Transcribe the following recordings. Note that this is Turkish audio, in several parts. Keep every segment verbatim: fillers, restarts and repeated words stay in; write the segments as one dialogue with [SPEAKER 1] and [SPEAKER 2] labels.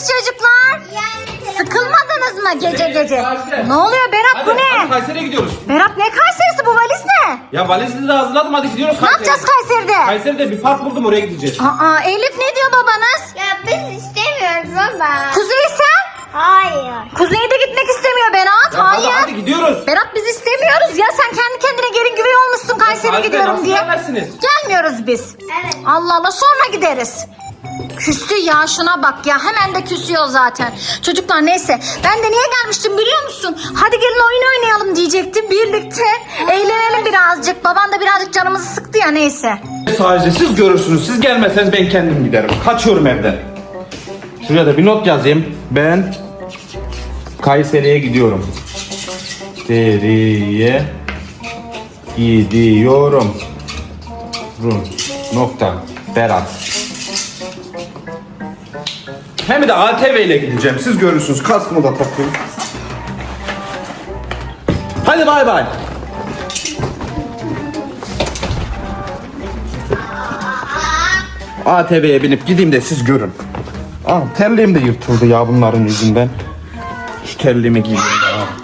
[SPEAKER 1] nasılsınız çocuklar? Sıkılmadınız mı gece gece? Ne oluyor Berat,
[SPEAKER 2] Hadi,
[SPEAKER 1] bu ne?
[SPEAKER 2] hadi Kayseri'ye gidiyoruz.
[SPEAKER 1] Berat, ne Kayseri'si, bu valiz ne?
[SPEAKER 2] Ya valizini de hazırladım, hadi gidiyoruz
[SPEAKER 1] Ne
[SPEAKER 2] Kayseri'ye.
[SPEAKER 1] yapacağız Kayseri'de?
[SPEAKER 2] Kayseri'de bir park buldum, oraya gideceğiz.
[SPEAKER 1] Aa, Elif ne diyor babanız?
[SPEAKER 3] Ya biz istemiyoruz baba.
[SPEAKER 1] Kuzey sen?
[SPEAKER 3] Hayır.
[SPEAKER 1] Kuzey de gitmek istemiyor Berat.
[SPEAKER 2] Ya
[SPEAKER 1] Hayır.
[SPEAKER 2] hadi, hadi gidiyoruz.
[SPEAKER 1] Berat, biz istemiyoruz ya, sen kendi kendine gelin güvey olmuşsun Kayseri'ye
[SPEAKER 2] Hadi,
[SPEAKER 1] gidiyorum
[SPEAKER 2] nasıl
[SPEAKER 1] diye.
[SPEAKER 2] gelmezsiniz?
[SPEAKER 1] Gelmiyoruz biz.
[SPEAKER 3] Evet.
[SPEAKER 1] Allah Allah, sonra gideriz. Küstü ya, şuna bak ya, hemen de küsüyor zaten. Çocuklar neyse, ben de niye gelmiştim biliyor musun? Hadi gelin oyun oynayalım diyecektim birlikte. Eğlenelim birazcık. Baban da birazcık canımızı sıktı ya, neyse.
[SPEAKER 2] Sadece siz görürsünüz, siz gelmezseniz ben kendim giderim. Kaçıyorum evden. Şuraya da bir not yazayım. Ben Kayseri'ye gidiyorum. Kayseri'ye gidiyorum. Rum. Nokta. Berat. Hem de A T V ile gideceğim. Siz görürsünüz. Kaskımı da takayım. Hadi bay bay. A T V'ye binip gideyim de siz görün. Aa, terliğim de yırtıldı ya bunların yüzünden. Şu terliğimi giyeyim de. Ha.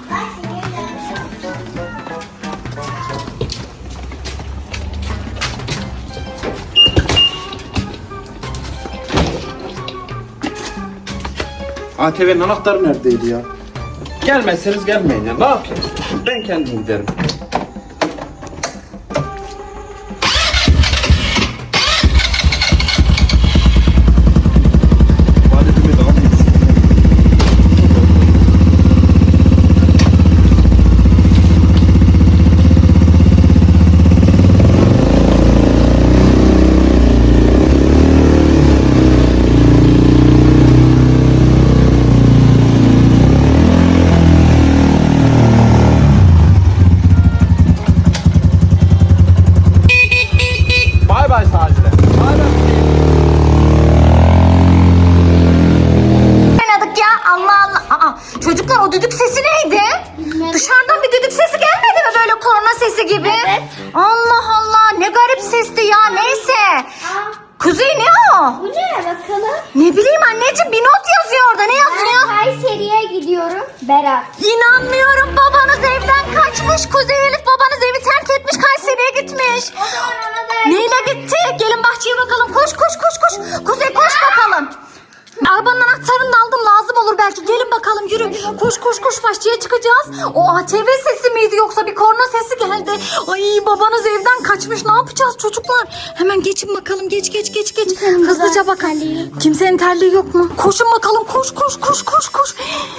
[SPEAKER 2] A T V'nin anahtarı neredeydi ya? Gelmezseniz gelmeyin ya. Ne yapayım? Ben kendim giderim. Valizimi de alayım. Bay bay Sacile. Bay bay.
[SPEAKER 1] Oynadık ya, Allah Allah. Aa, çocuklar, o düdük sesi neydi? Dışarıdan bir düdük sesi gelmedi mi, böyle korna sesi gibi?
[SPEAKER 3] Evet.
[SPEAKER 1] Allah Allah, ne garip sesti ya, neyse.
[SPEAKER 3] Aa,
[SPEAKER 1] Kuzey, ne o?
[SPEAKER 3] bu ne bakalım?
[SPEAKER 1] Ne bileyim anneciğim, bir not yazıyor orada, ne
[SPEAKER 3] Ben
[SPEAKER 1] yazıyor?
[SPEAKER 3] Kayseri'ye gidiyorum. Berat.
[SPEAKER 1] İnanmıyorum, babanız evden kaçmış. Kuzey Elif, babanız evi terk etmiş, Kayseri'ye gitmiş.
[SPEAKER 3] O zaman ona da...
[SPEAKER 1] Neyle gitti? Gelin bahçeye bakalım, koş koş koş koş. Kuzey koş bakalım. Arabanın anahtarını da aldım, lazım olur belki. Gelin bakalım, yürü. Koş koş koş, bahçeye çıkacağız. O A T V sesi miydi yoksa bir korna sesi geldi. Ay, babanız evden kaçmış, ne yapacağız çocuklar? Hemen geçin bakalım, geç geç geç geç.
[SPEAKER 3] Kimsenin
[SPEAKER 1] Hızlıca
[SPEAKER 3] burada
[SPEAKER 1] bakalım.
[SPEAKER 3] terliği yok.
[SPEAKER 1] Kimsenin terliği yok mu? Koşun bakalım, koş koş koş koş koş.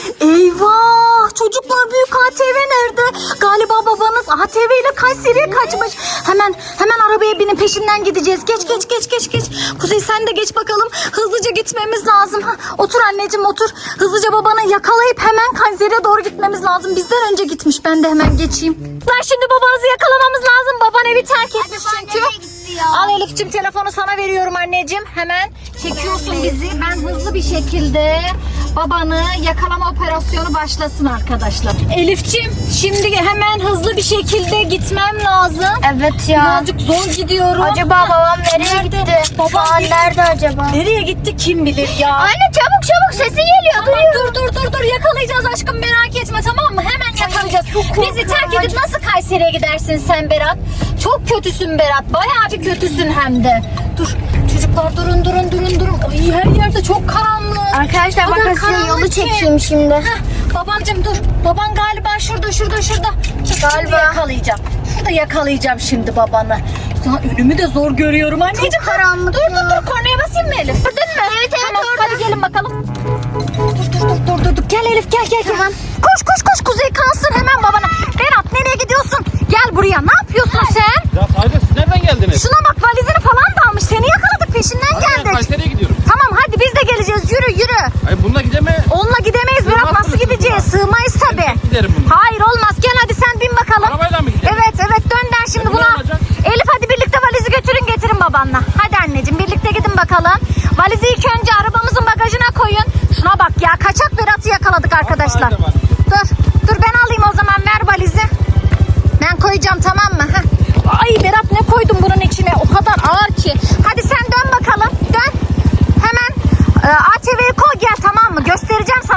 [SPEAKER 1] Eyvah, çocuklar, büyük A T V nerede? Galiba babanız A T V ile Kayseri'ye kaçmış. Hemen hemen arabaya binin, peşinden gideceğiz. Geç geç geç geç geç. Kuzey sen de geç bakalım. Hızlıca gitmemiz lazım. Ha, otur anneciğim, otur. Hızlıca babanı yakalayıp hemen Kayseri'ye doğru gitmemiz lazım. Bizden önce gitmiş. Ben de hemen geçeyim. Lan şimdi babanızı yakalamamız lazım. Baban evi terk etmiş çünkü. Al Elif'ciğim, telefonu sana veriyorum anneciğim. Hemen çekiyorsun bizi. Ben hızlı bir şekilde babanı yakalama operasyonu başlasın arkadaşlar. Elif'ciğim, şimdi hemen hızlı bir şekilde gitmem lazım.
[SPEAKER 3] Evet ya.
[SPEAKER 1] Birazcık zor gidiyorum.
[SPEAKER 3] Acaba babam nereye
[SPEAKER 1] Nerede?
[SPEAKER 3] gitti?
[SPEAKER 1] Babam
[SPEAKER 3] Babam nerede acaba?
[SPEAKER 1] Nereye gitti kim bilir ya.
[SPEAKER 3] Anne çabuk çabuk sesi geliyor.
[SPEAKER 1] Tamam, dur dur dur dur, yakalayacağız aşkım, merak etme, tamam mı? Hemen yakalayacağız. Bizi terk edip nasıl Kayseri'ye gidersin sen Berat? Çok kötüsün Berat, bayağı bir kötüsün hem de. Dur çocuklar, durun durun durun durun. Ay, her yerde çok karanlık.
[SPEAKER 3] Arkadaşlar
[SPEAKER 1] O kadar
[SPEAKER 3] bakın size
[SPEAKER 1] karanlık
[SPEAKER 3] yolu
[SPEAKER 1] ki.
[SPEAKER 3] çekeyim şimdi.
[SPEAKER 1] Heh, babamcım dur. Baban galiba şurada şurada şurada. Şimdi
[SPEAKER 3] Galiba.
[SPEAKER 1] yakalayacağım. Şurada yakalayacağım şimdi babanı. Ya önümü de zor görüyorum anneciğim.
[SPEAKER 3] Çok karanlık
[SPEAKER 1] Dur
[SPEAKER 3] ya.
[SPEAKER 1] dur dur, kornaya basayım mı Elif? Gördün mü?
[SPEAKER 3] Evet, evet,
[SPEAKER 1] Tamam,
[SPEAKER 3] orada.
[SPEAKER 1] hadi gelin bakalım. Dur dur dur dur dur dur. Gel Elif, gel gel gel. Koş koş koş, Kuzey kalsın hemen babana. Berat, nereye gidiyorsun? Gel buraya. Ne yapıyorsun sen?
[SPEAKER 2] Ya Sacile, siz nereden geldiniz?
[SPEAKER 1] Şuna bak, valizini falan da almış. Seni yakaladık, peşinden
[SPEAKER 2] Hadi ben
[SPEAKER 1] geldik.
[SPEAKER 2] Kayseri'ye gidiyorum.
[SPEAKER 1] Tamam hadi, biz de geleceğiz. Yürü yürü.
[SPEAKER 2] Ay bununla gideme.
[SPEAKER 1] Onunla gidemeyiz Berat, nasıl
[SPEAKER 2] Sığmazsınız
[SPEAKER 1] gideceğiz?
[SPEAKER 2] buna.
[SPEAKER 1] Sığmayız tabi.
[SPEAKER 2] Ben giderim bununla.
[SPEAKER 1] Hayır olmaz, gel hadi sen bin bakalım.
[SPEAKER 2] Arabayla mı gidelim?
[SPEAKER 1] Evet evet, dön der şimdi
[SPEAKER 2] E, bu ne
[SPEAKER 1] buna.
[SPEAKER 2] olacak?
[SPEAKER 1] Elif hadi birlikte valizi götürün, getirin babanla. Hadi anneciğim, birlikte gidin bakalım. Valizi ilk önce arabamızın bagajına koyun. Şuna bak ya, kaçak Berat'ı yakaladık arkadaşlar.
[SPEAKER 2] Hadi, hadi.
[SPEAKER 1] Dur dur, ben alayım o zaman, ver valizi. Ben koyacağım, tamam mı? Heh. Ay Berat, ne koydun bunun içine, o kadar ağır ki. Hadi sen dön bakalım, dön. Hemen e, A T V'yi koy gel, tamam mı?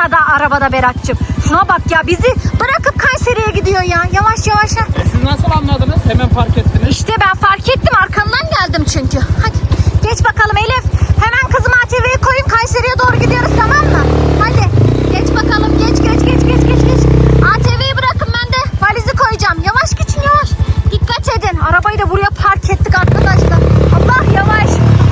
[SPEAKER 1] aşağıda arabada Berat'cığım. Şuna bak ya, bizi bırakıp Kayseri'ye gidiyor ya. Yavaş yavaş. Ha.
[SPEAKER 2] E siz nasıl anladınız? Hemen fark ettiniz.
[SPEAKER 1] İşte ben fark ettim, arkandan geldim çünkü. Hadi geç bakalım Elif. Hemen kızım A T V'yi koyun, Kayseri'ye doğru gidiyoruz, tamam mı? Hadi geç bakalım, geç geç geç geç geç geç. A T V'yi bırakın, ben de valizi koyacağım. Yavaş geçin, yavaş. Dikkat edin. Arabayı da buraya park ettik arkadaşlar. Allah, yavaş.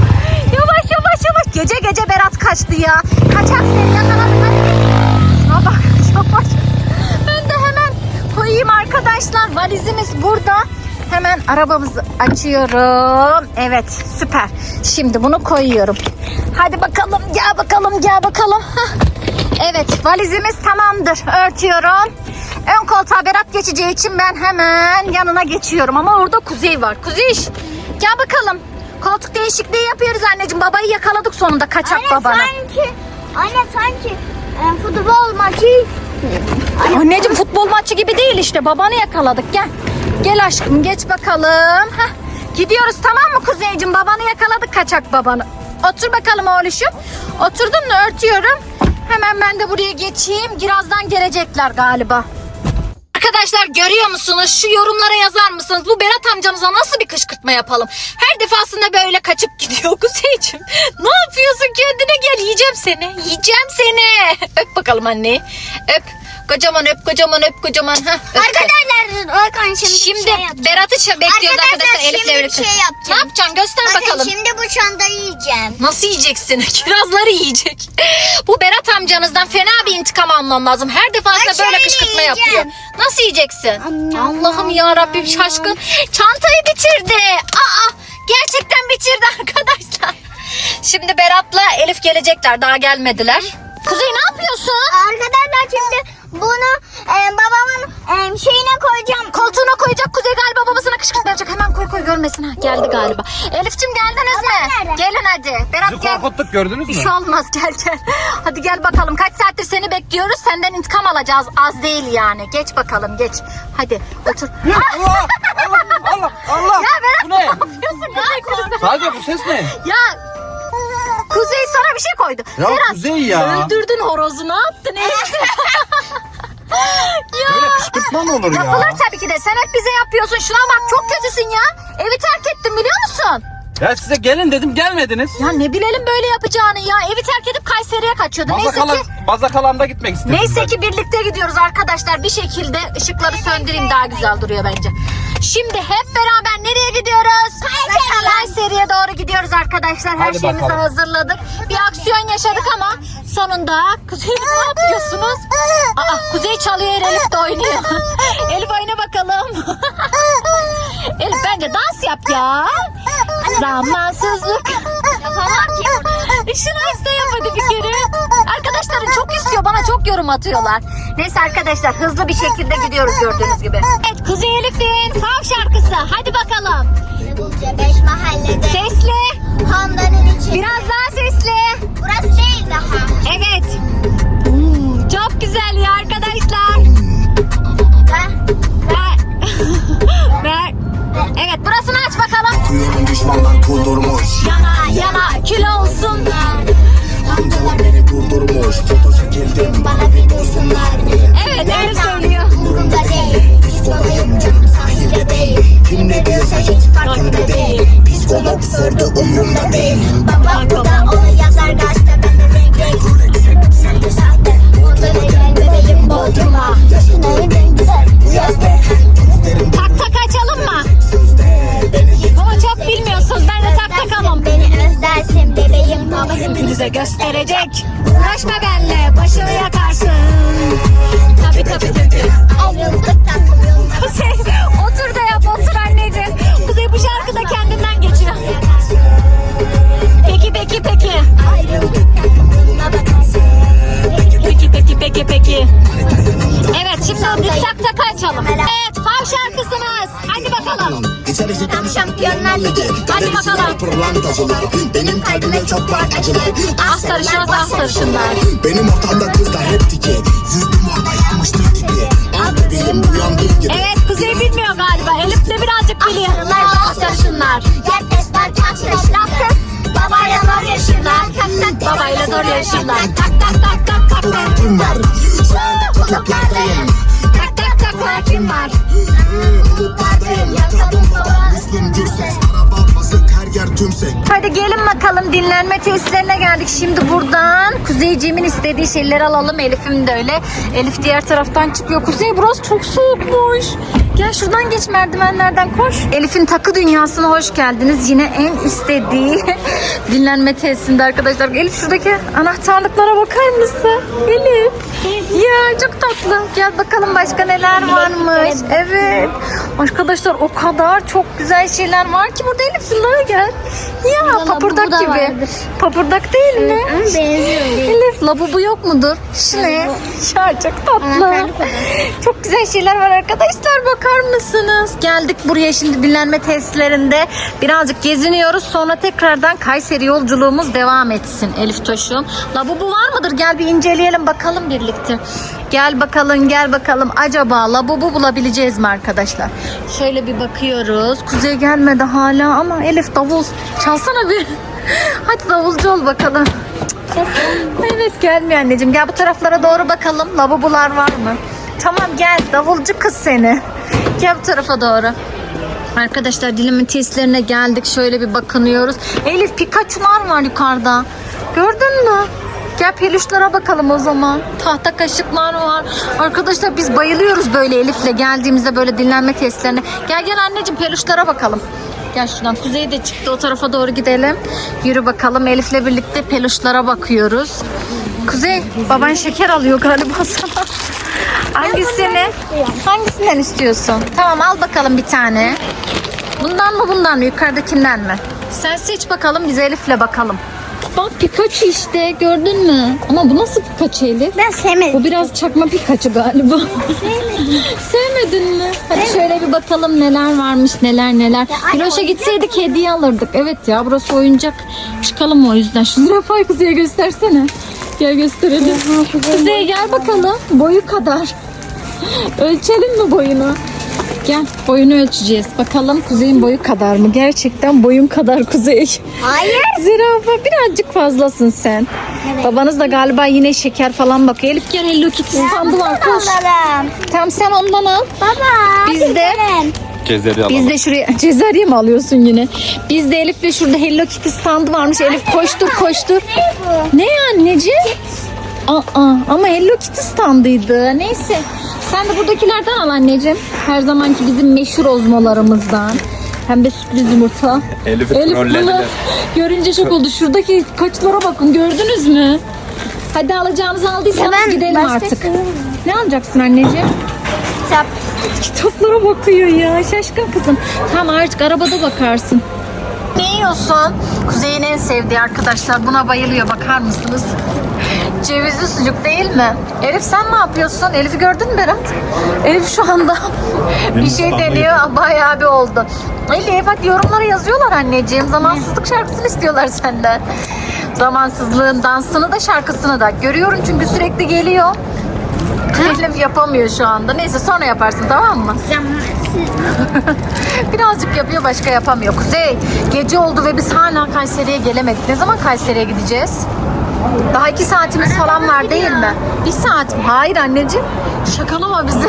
[SPEAKER 1] Yavaş yavaş yavaş. Gece gece Berat kaçtı ya. Kaçak seni yakaladım. Hadi. Şuna bak, yavaş. Ben de hemen koyayım arkadaşlar. Valizimiz burada. Hemen arabamızı açıyorum. Evet, süper. Şimdi bunu koyuyorum. Hadi bakalım, gel bakalım, gel bakalım. Hah. Evet, valizimiz tamamdır. Örtüyorum. Ön koltuğa Berat geçeceği için ben hemen yanına geçiyorum. Ama orada Kuzey var. Kuzey, gel bakalım. Koltuk değişikliği yapıyoruz anneciğim. Babayı yakaladık sonunda, kaçak
[SPEAKER 3] Anne
[SPEAKER 1] babanı.
[SPEAKER 3] sanki, anne sanki e, futbol maçı.
[SPEAKER 1] Anneciğim futbol maçı gibi değil işte. Babanı yakaladık, gel. Gel aşkım, geç bakalım. Heh. Gidiyoruz, tamam mı Kuzeyciğim? Babanı yakaladık, kaçak babanı. Otur bakalım oğluşum. Oturdun mu? Örtüyorum. Hemen ben de buraya geçeyim. Birazdan gelecekler galiba. Arkadaşlar görüyor musunuz? Şu yorumlara yazar mısınız? Bu Berat amcanıza nasıl bir kışkırtma yapalım? Her defasında böyle kaçıp gidiyor Kuzeyciğim. Ne yapıyorsun? Kendine gel. Yiyeceğim seni. Yiyeceğim seni. Öp bakalım anneyi. Öp. Kocaman öp, kocaman öp, kocaman. Heh, öptü.
[SPEAKER 3] Arkadaşlar Orkan şimdi,
[SPEAKER 1] Şimdi
[SPEAKER 3] bir şey yapacağım.
[SPEAKER 1] Berat'ı ç- bekliyoruz arkadaşlar,
[SPEAKER 3] Arkadaşlar,
[SPEAKER 1] Elif'le
[SPEAKER 3] şimdi bir
[SPEAKER 1] birlikte.
[SPEAKER 3] şey yapacağım.
[SPEAKER 1] Ne yapacaksın? Göster
[SPEAKER 3] Bakın
[SPEAKER 1] bakalım.
[SPEAKER 3] şimdi bu çantayı yiyeceğim.
[SPEAKER 1] Nasıl yiyeceksin? Kirazları yiyecek. Bu Berat amcanızdan fena bir intikam almam lazım. Her defasında
[SPEAKER 3] Ben
[SPEAKER 1] böyle
[SPEAKER 3] şöyle
[SPEAKER 1] kışkırtma
[SPEAKER 3] yiyeceğim.
[SPEAKER 1] yapıyor. Nasıl yiyeceksin?
[SPEAKER 3] Anne,
[SPEAKER 1] Allah'ım
[SPEAKER 3] anne,
[SPEAKER 1] ya Rabbim,
[SPEAKER 3] anne.
[SPEAKER 1] şaşkın. Çantayı bitirdi. Aa, gerçekten bitirdi arkadaşlar. Şimdi Berat'la Elif gelecekler. Daha gelmediler. Kuzey ne yapıyorsun?
[SPEAKER 3] Arkadaşlar şimdi bunu e, babamın e, şeyine koyacağım.
[SPEAKER 1] Koltuğuna koyacak. Kuzey galiba babasına kışkırtma yapacak. Hemen koy koy, görmesin. Ha, geldi galiba. Elif'cim geldiniz
[SPEAKER 3] Babam
[SPEAKER 1] mi?
[SPEAKER 3] nerede?
[SPEAKER 1] Gelin hadi. Berat
[SPEAKER 2] Sizi
[SPEAKER 1] gel.
[SPEAKER 2] korkuttuk, gördünüz
[SPEAKER 1] Bir
[SPEAKER 2] mü?
[SPEAKER 1] şey olmaz, gel gel. Hadi gel bakalım. Kaç saattir seni bekliyoruz. Senden intikam alacağız. Az değil yani. Geç bakalım, geç. Hadi otur.
[SPEAKER 2] Allah Allah Allah Allah.
[SPEAKER 1] Ya Berat
[SPEAKER 2] Bu
[SPEAKER 1] ne
[SPEAKER 2] ne?
[SPEAKER 1] yapıyorsun? Kuzey, Kuzey.
[SPEAKER 2] Sadece bu ses ne?
[SPEAKER 1] Ya Kuzey sana bir şey koydu.
[SPEAKER 2] Ya
[SPEAKER 1] Berat,
[SPEAKER 2] Kuzey ya.
[SPEAKER 1] öldürdün horozu, ne yaptın Elif?
[SPEAKER 2] Böyle kışkırtma mı olur ya?
[SPEAKER 1] Yapılır tabii ki de. Sen hep bize yapıyorsun. Şuna bak, çok kötüsün ya. Evi terk ettin, biliyor musun?
[SPEAKER 2] Ya size gelin dedim, gelmediniz.
[SPEAKER 1] Ya ne bilelim böyle yapacağını ya. Evi terk edip Kayseri'ye kaçıyordu. Neyse
[SPEAKER 2] Bazakalan,
[SPEAKER 1] ki
[SPEAKER 2] Bazakalan'da gitmek istedim.
[SPEAKER 1] Neyse
[SPEAKER 2] ben.
[SPEAKER 1] ki birlikte gidiyoruz arkadaşlar. Bir şekilde ışıkları söndüreyim, daha güzel duruyor bence. Şimdi hep beraber nereye gidiyoruz?
[SPEAKER 3] Kayseri.
[SPEAKER 1] Kayseri'ye doğru gidiyoruz arkadaşlar. Her
[SPEAKER 2] Hadi
[SPEAKER 1] şeyimizi
[SPEAKER 2] bakalım.
[SPEAKER 1] hazırladık. Bir aksiyon yaşadık ama sonunda Kuzey, ne yapıyorsunuz? Aa, Kuzey çalıyor, Elif de oynuyor. Elif oyna bakalım. Elif bence dans yap ya. Zamansızlık.
[SPEAKER 3] Yapamam ki.
[SPEAKER 1] Şunu iste, yap hadi bir kere. Arkadaşlarım çok istiyor, bana çok yorum atıyorlar. Neyse arkadaşlar, hızlı bir şekilde gidiyoruz gördüğünüz gibi. Evet, Kuzey Elif'in Fav şarkısı. Hadi bakalım.
[SPEAKER 3] Bulca beş mahallede.
[SPEAKER 1] Sesli.
[SPEAKER 3] Handanın içi.
[SPEAKER 1] Biraz daha sesli.
[SPEAKER 3] Burası değil daha.
[SPEAKER 1] Evet. Hmm, çok güzel ya arkadaşlar.
[SPEAKER 3] Ve
[SPEAKER 1] Ver. Ver. Evet, burasını aç bakalım.
[SPEAKER 4] Kuyunun düşmanlar kudurmuş.
[SPEAKER 1] Yana yana kül olsunlar.
[SPEAKER 4] Amcalar beni durdurmuş. Foto çekildim bana bir dursunlar diye.
[SPEAKER 1] Evet, öyle söylüyor.
[SPEAKER 3] umurumda değil. Psikolojim canım sahilde değil.
[SPEAKER 4] Kim ne diyorsa hiç farkında değil. Psikolog sordu umurumda değil.
[SPEAKER 3] Babam bu da onu yazar gazete. Ben de renk renk. Sen de sahte. Bodrum'a gel bebeğim Bodrum'a. Yaşın en güzel bu yazda.
[SPEAKER 1] Tak tak açalım mı? Ama çok bilmiyorsunuz. Ben de tak takamam.
[SPEAKER 3] Beni özlersin bebeğim baba.
[SPEAKER 1] Hepinize gösterecek. Uğraşma benle, başını yakarsın. Tabii tabii tabii.
[SPEAKER 3] Ayrıldık tatlım.
[SPEAKER 1] Kuzey otur da yap, otur anneciğim. Kuzey bu şarkı da kendinden geçiyor. Peki peki peki.
[SPEAKER 3] Ayrıldık tatlım yoluna bakarsın.
[SPEAKER 1] Peki peki peki peki. Evet, şimdi biz tak tak açalım. Evet, Fav şarkısımız. Hadi bakalım.
[SPEAKER 4] İçerisi tam
[SPEAKER 3] Şampiyonlar Ligi.
[SPEAKER 1] Hadi bakalım.
[SPEAKER 4] pırlantacılar. Benim kalbime çok var acılar.
[SPEAKER 1] Az sarışınız az sarışınlar.
[SPEAKER 4] Benim ortamda kızlar hep dike. Yüzdüm orada yanmıştır gibi. Al bebeğim uyandığı gibi.
[SPEAKER 1] Evet, Kuzey bilmiyor galiba. Elif de birazcık biliyor. Az sarışınlar.
[SPEAKER 3] Herkes var tatlış laf kız. Babayla zor yaşırlar. Tak tak
[SPEAKER 1] Babayla zor yaşınlar. Tak tak tak tak tak.
[SPEAKER 4] Atlantim var. Şu anda kutuplardayım.
[SPEAKER 3] Tak tak tak farkım var.
[SPEAKER 4] Bulutlardayım. Lakabım baba Müslüm Gürses. Araba basık her yer tümsek.
[SPEAKER 1] Hadi gelin bakalım, dinlenme tesislerine geldik. Şimdi buradan Kuzeyciğimin istediği şeyleri alalım. Elif'im de öyle. Elif diğer taraftan çıkıyor. Kuzey, burası çok soğukmuş. Gel şuradan geç, merdivenlerden koş. Elif'in takı dünyasına hoş geldiniz. Yine en istediği dinlenme tesisinde arkadaşlar. Elif, şuradaki anahtarlıklara bakar mısın? Elif. Ya çok tatlı. Gel bakalım başka neler varmış. Evet. Arkadaşlar o kadar çok güzel şeyler var ki burada. Elif, şunlara gel. Ya
[SPEAKER 3] Burada
[SPEAKER 1] papırdak
[SPEAKER 3] labubu da
[SPEAKER 1] gibi.
[SPEAKER 3] vardır.
[SPEAKER 1] Papırdak değil mi?
[SPEAKER 3] Ama benziyor.
[SPEAKER 1] Elif, labubu yok mudur? Şu ne? Ya çok tatlı.
[SPEAKER 3] Anahtarlık o da.
[SPEAKER 1] Çok güzel şeyler var arkadaşlar, bakar mısınız? Geldik buraya şimdi dinlenme tesislerinde. Birazcık geziniyoruz, sonra tekrardan Kayseri yolculuğumuz devam etsin Elif Toş'um. Labubu var mıdır? Gel bir inceleyelim bakalım birlikte. Gel bakalım, gel bakalım. Acaba labubu bulabileceğiz mi arkadaşlar? Şöyle bir bakıyoruz. Kuzey gelmedi hala ama Elif, davul çalsana bir. Hadi davulcu ol bakalım. Evet, gelmiyor anneciğim. Gel bu taraflara doğru bakalım. Lavabolar var mı? Tamam, gel davulcu kız seni. Gel bu tarafa doğru. Arkadaşlar dinlenme tesislerine geldik. Şöyle bir bakınıyoruz. Elif, Pikachu'lar var yukarıda. Gördün mü? Gel peluşlara bakalım o zaman. Tahta kaşıklar var. Arkadaşlar biz bayılıyoruz böyle Elif'le geldiğimizde böyle dinlenme tesislerine. Gel gel anneciğim, peluşlara bakalım. Gel şuradan, Kuzey de çıktı, o tarafa doğru gidelim. Yürü bakalım, Elif'le birlikte peluşlara bakıyoruz. Kuzey, baban şeker alıyor galiba sana. Hangisini? Hangisinden istiyorsun? Tamam, al bakalım bir tane. Bundan mı bundan mı, yukarıdakinden mi? Sen seç bakalım, biz Elif'le bakalım. Bak Pikachu işte, gördün mü? Ama bu nasıl Pikachu Elif?
[SPEAKER 3] Ben sevmedim.
[SPEAKER 1] Bu biraz çakma Pikachu galiba. Sevmedin mi? Hadi şöyle bir bakalım neler varmış, neler neler. Hiroş'a gitseydik hediye alırdık. Evet ya, burası oyuncak. Çıkalım o yüzden. Şu zürafayı Kuzey'e göstersene. Gel gösterelim. Kuzey gel bakalım. Boyu kadar. Ölçelim mi boyunu? Gel, boyunu ölçeceğiz. Bakalım Kuzey'in boyu kadar mı? Gerçekten boyun kadar Kuzey.
[SPEAKER 3] Hayır.
[SPEAKER 1] Zürafa, birazcık fazlasın sen.
[SPEAKER 3] Evet.
[SPEAKER 1] Babanız da galiba yine şeker falan bakıyor. Elif gel, Hello Kitty standı var, koş.
[SPEAKER 3] Alalım.
[SPEAKER 1] Tamam, sen ondan al.
[SPEAKER 3] Baba.
[SPEAKER 1] Biz de
[SPEAKER 2] Kezleri alalım.
[SPEAKER 1] biz de şuraya cezerye mi alıyorsun yine? Biz de Elif'le şurada Hello Kitty standı varmış. Elif koştur koştur.
[SPEAKER 3] Ne bu?
[SPEAKER 1] Ne anneciğim? Aa, ama Hello Kitty standıydı. Neyse. Sen de buradakilerden al anneciğim. Her zamanki bizim meşhur ozmalarımızdan. Hem de sürpriz yumurta.
[SPEAKER 2] Elif'i
[SPEAKER 1] Elif bunu
[SPEAKER 2] trollediler.
[SPEAKER 1] görünce şok oldu. Şuradaki kaçlara bakın, gördünüz mü? Hadi alacağınızı aldıysanız
[SPEAKER 3] Ya ben
[SPEAKER 1] gidelim
[SPEAKER 3] başka
[SPEAKER 1] artık.
[SPEAKER 3] şey-
[SPEAKER 1] Ne alacaksın anneciğim?
[SPEAKER 3] Kitap.
[SPEAKER 1] Kitaplara bakıyor ya, şaşkın kızım. Tamam, artık arabada bakarsın. Ne yiyorsun? Kuzey'in en sevdiği arkadaşlar. Buna bayılıyor, bakar mısınız? Cevizli sucuk değil mi? Elif sen ne yapıyorsun? Elif'i gördün mü Berat? Elif şu anda bir şey deniyor. Bayağı bir oldu. Elif hadi yorumlara yazıyorlar anneciğim. Zamansızlık şarkısını istiyorlar senden. Zamansızlığın dansını da şarkısını da. Görüyorum çünkü sürekli geliyor. Elif yapamıyor şu anda. Neyse sonra yaparsın, tamam mı?
[SPEAKER 3] Zamansız.
[SPEAKER 1] Birazcık yapıyor, başka yapamıyor. Kuzey, gece oldu ve biz hala Kayseri'ye gelemedik. Ne zaman Kayseri'ye gideceğiz? Daha iki saatimiz falan var değil mi? Bir saat mi? Hayır anneciğim. Şakalama bizi.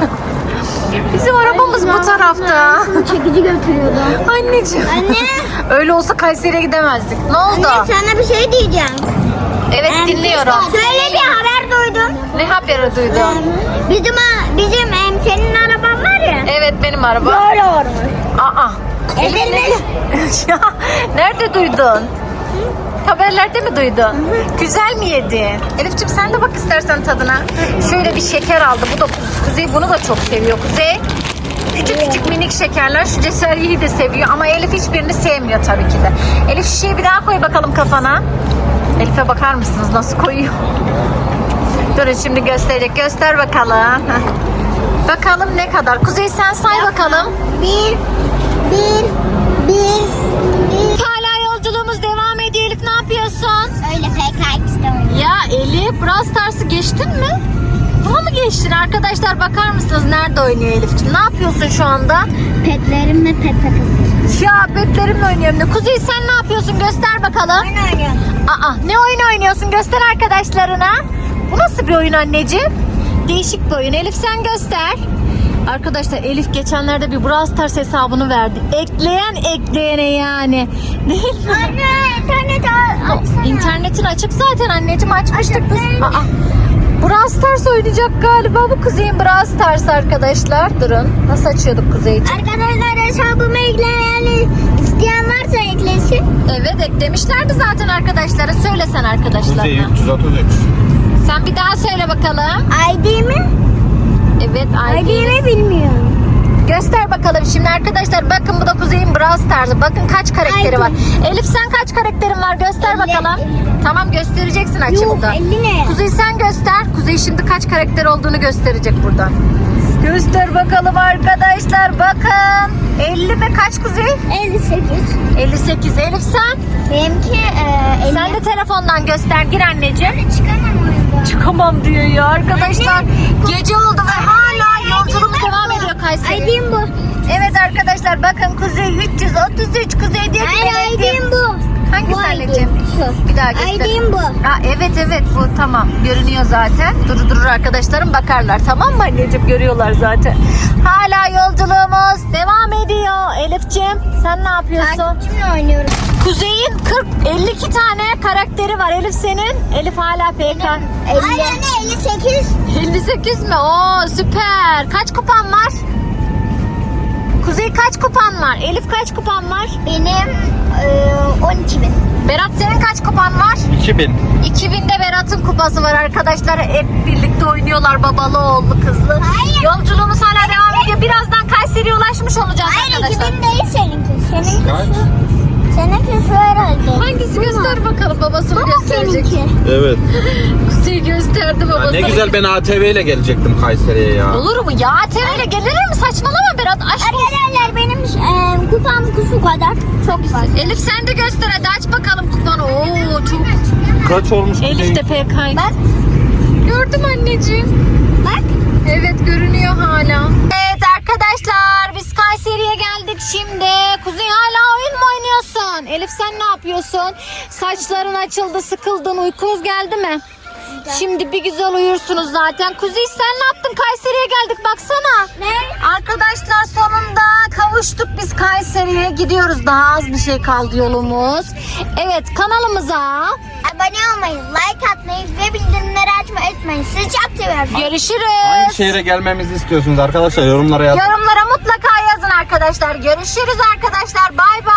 [SPEAKER 1] Bizim arabamız bu tarafta.
[SPEAKER 3] Çekici götürüyordu.
[SPEAKER 1] Anneciğim.
[SPEAKER 3] Anne.
[SPEAKER 1] Öyle olsa Kayseri'ye gidemezdik. Ne oldu?
[SPEAKER 3] Anne sana bir şey diyeceğim.
[SPEAKER 1] Evet, dinliyorum.
[SPEAKER 3] Şöyle bir haber duydum.
[SPEAKER 1] Ne haberi duydun?
[SPEAKER 3] Bizim bizim em, senin araban var ya.
[SPEAKER 1] Evet, benim araba.
[SPEAKER 3] Böyle olmuş.
[SPEAKER 1] Aa.
[SPEAKER 3] Edilmiş.
[SPEAKER 1] Ya, nerede duydun? Haberlerde mi duydun? Güzel mi yedi? Elif'ciğim sen de bak istersen tadına. Şöyle bir şeker aldı. Bu da Kuzey bunu da çok seviyor. Kuzey küçük küçük minik şekerler. Şu ceseriyeyi de seviyor ama Elif hiçbirini sevmiyor tabii ki de. Elif şişeyi bir daha koy bakalım kafana. Elif'e bakar mısınız nasıl koyuyor? Durun şimdi gösterecek. Göster bakalım. Heh. Bakalım ne kadar. Kuzey sen say bakalım.
[SPEAKER 3] Bir, bir, bir, bir.
[SPEAKER 1] Hala yolculuğumuz devam ediyor. Elif ne yapıyorsun?
[SPEAKER 3] Öyle P K X'de oynuyor.
[SPEAKER 1] Ya Elif, Brawl Stars'ı geçtin mi? Buna mı geçtin? Arkadaşlar bakar mısınız nerede oynuyor Elif'ciğim? Ne yapıyorsun şu anda?
[SPEAKER 3] Petlerimle pet takısı.
[SPEAKER 1] Ya petlerimle oynuyorum da. Kuzey sen ne yapıyorsun? Göster bakalım.
[SPEAKER 3] Oyun oynuyorum.
[SPEAKER 1] Aa, ne oyun oynuyorsun? Göster arkadaşlarına. Bu nasıl bir oyun anneciğim? Değişik bir oyun. Elif sen göster. Arkadaşlar Elif geçenlerde bir Brawl Stars hesabını verdi. Ekleyen ekleyene yani. Değil mi?
[SPEAKER 3] Anne internet açsana.
[SPEAKER 1] İnternetin açık zaten anneciğim, açmıştık biz. Aa, Brawl Stars oynayacak galiba bu Kuzey'in Brawl Stars arkadaşlar. Durun. Nasıl açıyorduk Kuzey için?
[SPEAKER 3] Arkadaşlar hesabıma ekleyen isteyen varsa eklesin.
[SPEAKER 1] Evet eklemişlerdi zaten arkadaşlara. Söylesen arkadaşlarına.
[SPEAKER 2] Kuzey üç yüz otuz üç.
[SPEAKER 1] Sen bir daha söyle bakalım.
[SPEAKER 3] I D mi?
[SPEAKER 1] Evet
[SPEAKER 3] I D
[SPEAKER 1] I D.
[SPEAKER 3] mi bilmiyorum.
[SPEAKER 1] Göster bakalım şimdi arkadaşlar. Bakın bu da Kuzey'in Brawl Stars'ı. Bakın kaç karakteri
[SPEAKER 3] Ay,
[SPEAKER 1] var. Elif sen kaç karakterin var? Göster
[SPEAKER 3] elli,
[SPEAKER 1] bakalım.
[SPEAKER 3] elli.
[SPEAKER 1] Tamam göstereceksin açımda.
[SPEAKER 3] Yok elli ne?
[SPEAKER 1] Kuzey sen göster. Kuzey şimdi kaç karakter olduğunu gösterecek buradan. Göster bakalım arkadaşlar. Bakın. elli mi? Kaç Kuzey?
[SPEAKER 3] elli sekiz.
[SPEAKER 1] elli sekiz. Elif sen?
[SPEAKER 3] Benimki e, elli.
[SPEAKER 1] Sen de telefondan göster. Gir anneciğim.
[SPEAKER 3] Çıkamam oyunda.
[SPEAKER 1] Çıkamam diyor ya arkadaşlar.
[SPEAKER 3] Anne,
[SPEAKER 1] Gece oldu ve hala yolculuğumuz devam ediyor Kayseri.
[SPEAKER 3] I D'm bu.
[SPEAKER 1] Evet arkadaşlar bakın Kuzey üç yüz otuz üç. Kuzey diyor ki
[SPEAKER 3] Hayır I
[SPEAKER 1] benim-
[SPEAKER 3] D'm bu.
[SPEAKER 1] Hangisi
[SPEAKER 3] Bu I D.
[SPEAKER 1] anneciğim?
[SPEAKER 3] Şu.
[SPEAKER 1] Bir daha göster.
[SPEAKER 3] I D'm bu.
[SPEAKER 1] Ha, evet evet bu tamam görünüyor zaten. Durur durur arkadaşlarım bakarlar tamam mı anneciğim, görüyorlar zaten. Hala yolculuğumuz devam ediyor. Elifciğim sen ne yapıyorsun?
[SPEAKER 3] Takipçimle oynuyorum.
[SPEAKER 1] Kuzey'in kırk elli iki tane karakteri var. Elif senin? Elif hala P K.
[SPEAKER 3] elli. Anne elli sekiz.
[SPEAKER 1] elli sekiz mi? Oo süper. Kaç kupan var? Kuzey kaç kupan var? Elif kaç kupan var?
[SPEAKER 3] Benim e, on iki bin.
[SPEAKER 1] Berat senin kaç kupan var?
[SPEAKER 2] iki bin.
[SPEAKER 1] iki binde Berat'ın kupası var arkadaşlar. Hep birlikte oynuyorlar babalı oğullu kızlı.
[SPEAKER 3] Hayır.
[SPEAKER 1] Yolculuğumuz hala devam ediyor. Birazdan Kayseri'ye ulaşmış olacağız
[SPEAKER 3] Hayır iki
[SPEAKER 1] arkadaşlar.
[SPEAKER 3] bin değil seninki. Seninki
[SPEAKER 2] Kaç?
[SPEAKER 3] şu. Seninki şu herhalde.
[SPEAKER 1] Hangisi
[SPEAKER 3] Bu mu?
[SPEAKER 1] göster bakalım, babasını
[SPEAKER 3] Bu mu
[SPEAKER 1] gösterecek.
[SPEAKER 3] seninki?
[SPEAKER 2] Evet.
[SPEAKER 1] Kuzey gösterdi babasını.
[SPEAKER 2] Ne güzel ben A T V ile gelecektim Kayseri'ye ya.
[SPEAKER 1] Olur mu ya? A T V ile gelir mi? Saçmalama Berat. Aşk olsun.
[SPEAKER 3] Arkadaşlar benim e, kupam şu kadar. Çok fazla.
[SPEAKER 1] Elif sen de göster hadi, aç bakalım kupanı. Oo çok.
[SPEAKER 2] Kaç olmuş
[SPEAKER 1] Elif de P K.
[SPEAKER 3] Bak
[SPEAKER 1] Gördüm anneciğim.
[SPEAKER 3] bak.
[SPEAKER 1] Evet görünüyor hala. Evet arkadaşlar biz Kayseri'ye geldik şimdi. Kuzey hala oyun mu oynuyorsun? Elif sen ne yapıyorsun? Saçların açıldı, sıkıldın, uykunuz geldi mi? Şimdi bir güzel uyursunuz zaten. Kuzey sen ne yaptın? Kayseri'ye geldik baksana.
[SPEAKER 3] Ne?
[SPEAKER 1] Arkadaşlar sonunda kavuştuk biz Kayseri'ye. Gidiyoruz, daha az bir şey kaldı yolumuz. Evet kanalımıza
[SPEAKER 3] Abone olmayı, like atmayı ve bildirimleri açmayı unutmayın. Sizi çok seviyorum.
[SPEAKER 1] görüşürüz.
[SPEAKER 2] Hangi şehre gelmemizi istiyorsunuz arkadaşlar, yorumlara yazın.
[SPEAKER 1] Yorumlara mutlaka yazın arkadaşlar. Görüşürüz arkadaşlar. Bay bay.